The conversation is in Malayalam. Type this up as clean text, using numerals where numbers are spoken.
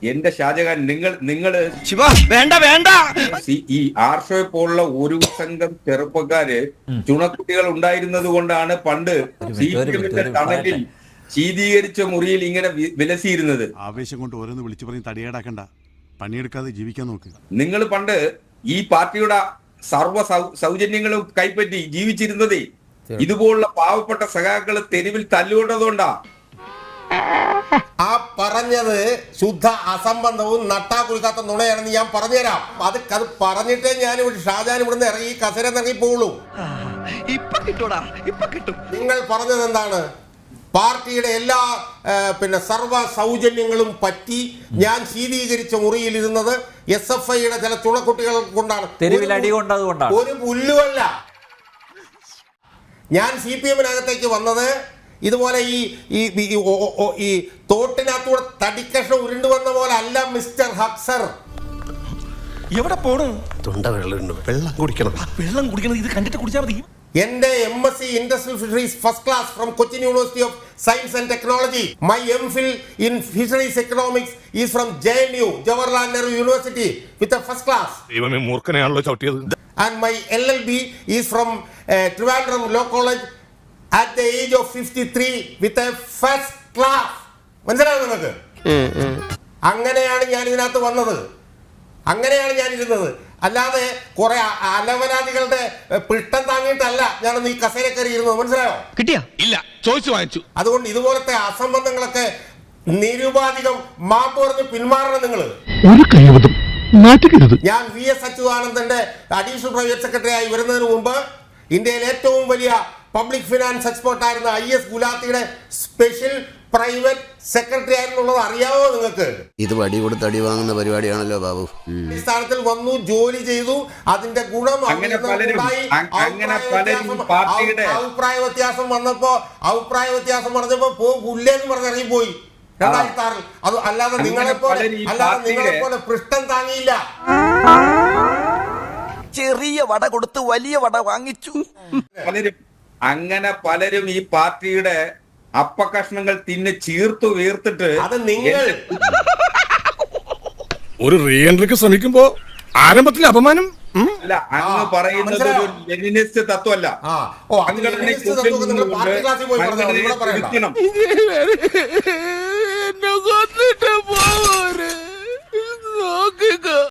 എന്റെ ഷാജഹാൻ, നിങ്ങൾ വേണ്ട വേണ്ട ഈ ആർഷോയെ പോലുള്ള ഒരു സംഘം ചെറുപ്പക്കാര് ചുണക്കുട്ടികൾ ഉണ്ടായിരുന്നത് കൊണ്ടാണ് പണ്ട് CPM-ന്റെ തണലിൽ ശീതീകരിച്ച മുറിയിൽ ഇങ്ങനെ വിലസിയിരുന്നത്. ആവേശം കൊണ്ട് ഓരോന്ന് വിളിച്ചു പറഞ്ഞ് തടിയേടാക്കണ്ട, പണിയെടുക്കാതെ ജീവിക്കാൻ നോക്ക്. നിങ്ങൾ പണ്ട് ഈ പാർട്ടിയുടെ സർവ്വ സൗജന്യങ്ങളും കൈപ്പറ്റി ജീവിച്ചിരുന്നതേ ഇതുപോലുള്ള പാവപ്പെട്ട സഖാക്കള് തെരുവിൽ തല്ലുകൊണ്ടതുകൊണ്ടാ. ആ പറഞ്ഞത് ശുദ്ധ അസംബന്ധവും നട്ടാ കുലുക്കാത്ത നുണയാണെന്ന് ഞാൻ പറഞ്ഞുതരാം. അത് പറഞ്ഞിട്ടേ ഞാൻ ഷാജഹാൻ ഇവിടുന്ന് ഇറങ്ങി കസര ഇറങ്ങി പോവുള്ളൂ. നിങ്ങൾ പറഞ്ഞത് എന്താണ്? പാർട്ടിയുടെ എല്ലാ സർവ്വ സൗജന്യങ്ങളും പറ്റി ഞാൻ ശീതീകരിച്ച മുറിയിൽ ഇരുന്നത് SFIയുടെ ചില ചുണക്കുട്ടികൾ കൊണ്ടാണ്. ഒരു പുല്ലുമല്ല. ഞാൻ CPM-നകത്തേക്ക് വന്നത് ഇതുപോലെ ഈ തോട്ടിനകത്തൂടെ തടിക്കഷ്ണം ഉരുണ്ടു വന്ന പോലെ അല്ല മിസ്റ്റർ ഹക്സർ. എവിടെ പോണു? തൊണ്ട വെള്ളം കുടിക്കണം. ഇത് കണ്ടിട്ട് കുടിച്ചാൽ മതി. എന്റെ MSc industrial fisheries first class from Cochin university of science and technology. My MPhil in fisheries economics is from JNU Jawaharlal Nehru university with a first class. ദൈവമേ, മൂർഖനെയാണല്ലോ ചവിട്ടിയത്. And my LLB is from Trivandrum Law College at the age of 53 with a first class. മനസ്സിലായോ നിങ്ങൾക്ക്? അങ്ങനെയാണ് ഞാൻ ഇതിനകത്ത് വന്നത്, അങ്ങനെയാണ് ഞാൻ ഇരുന്നത്. അല്ലാതെ കുറെ അലവനാദികളുടെ പിട്ടം താങ്ങിയിട്ടല്ല ഞാനൊന്ന് ഈ കസേര കയറി ഇരുന്നത്. മനസ്സിലായോ? കിട്ടിയാ? ഇല്ല, ചോദിച്ചു വാങ്ങിച്ചു. അതുകൊണ്ട് ഇതുപോലത്തെ അസംബന്ധങ്ങളൊക്കെ നിരുപാധികം മാപ്പ് പറഞ്ഞ് പിന്മാറണം നിങ്ങൾ. ഞാൻ VS അച്യുതാനന്ദന്റെ അഡീഷണൽ പ്രൈവറ്റ് സെക്രട്ടറി ആയി വരുന്നതിന് മുമ്പ് ഇന്ത്യയിലെ ഏറ്റവും വലിയ പബ്ലിക് ഫിനാൻസ് എക്സ്പേർട്ട് ആയിരുന്ന IS ഗുലാത്തിയുടെ സ്പെഷ്യൽ പ്രൈവറ്റ് സെക്രട്ടറി ആയിരുന്നുള്ളത് അറിയാവോ നിങ്ങൾക്ക്? ഇത് വടി കൊടുത്ത് അടി വാങ്ങുന്ന പരിപാടിയാണല്ലോ ബാബു. സ്ഥാനത്തിൽ വന്നു, ജോലി ചെയ്തു, അതിന്റെ ഗുണം അഭിപ്രായ വ്യത്യാസം പറഞ്ഞപ്പോ പുല്ലേന്ന് പറഞ്ഞിറങ്ങിപ്പോയി 2006. അത് അല്ലാതെ നിങ്ങളെ പോലെ പൃഷ്ഠം താങ്ങിയില്ല. ചെറിയ വട കൊടുത്ത് വലിയ വട വാങ്ങിച്ചു. പലരും ഈ പാർട്ടിയുടെ അപ്പകഷ്ണങ്ങൾ തിന്ന് ചീർത്തു വീർത്തിട്ട് അത് നിങ്ങൾ ഒരു റീ എൻട്രിക്ക് ശ്രമിക്കുമ്പോ ആരംഭത്തിലെ അപമാനം അല്ല, അങ്ങ് പറയുന്നത് ഒരു ലെനിനിസ്റ്റ് തത്വമല്ല. സംഘടന